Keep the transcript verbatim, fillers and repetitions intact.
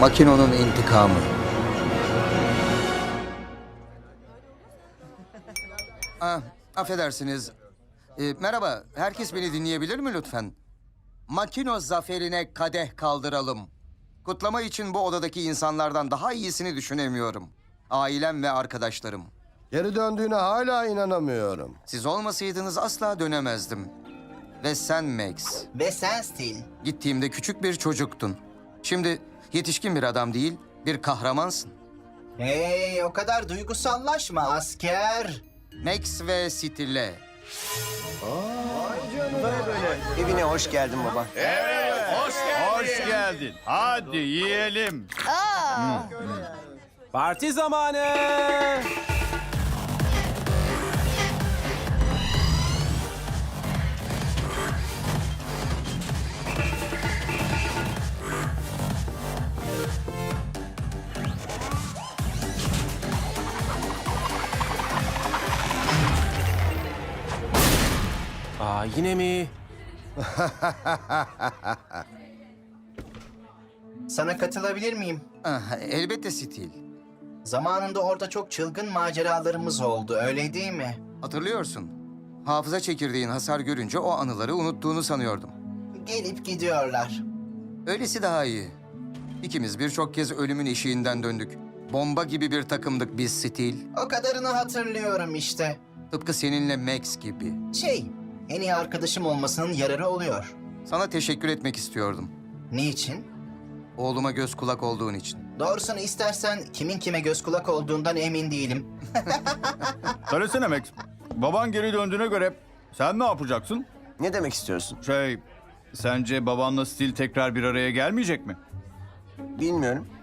Makino'nun intikamı. Ah, affedersiniz. Ee, merhaba, herkes beni dinleyebilir mi lütfen? Makino zaferine kadeh kaldıralım. Kutlama için bu odadaki insanlardan daha iyisini düşünemiyorum. Ailem ve arkadaşlarım. Geri döndüğüne hala inanamıyorum. Siz olmasaydınız asla dönemezdim. Ve sen Max. Ve sen Steel. Gittiğimde küçük bir çocuktun. Şimdi yetişkin bir adam değil, bir kahramansın. Hey, o kadar duygusallaşma asker. Max ve Steel'le. Evine hoş geldin baba. Hoş geldin. Hadi yiyelim. Parti zamanı. Aa, yine mi? Sana katılabilir miyim? Ah, elbette Steel. Zamanında orada çok çılgın maceralarımız oldu, öyle değil mi? Hatırlıyorsun. Hafıza çekirdeğin hasar görünce o anıları unuttuğunu sanıyordum. Gelip gidiyorlar. Öylesi daha iyi. İkimiz birçok kez ölümün eşiğinden döndük. Bomba gibi bir takımdık biz Steel. O kadarını hatırlıyorum işte. Tıpkı seninle Max gibi. Şey, en iyi arkadaşım olmasının yararı oluyor. Sana teşekkür etmek istiyordum. Niçin? Oğluma göz kulak olduğun için. Doğrusunu istersen kimin kime göz kulak olduğundan emin değilim. Söylesene Max. Baban geri döndüğüne göre sen ne yapacaksın? Ne demek istiyorsun? Şey, sence babanla Steel tekrar bir araya gelmeyecek mi? Bilmiyorum.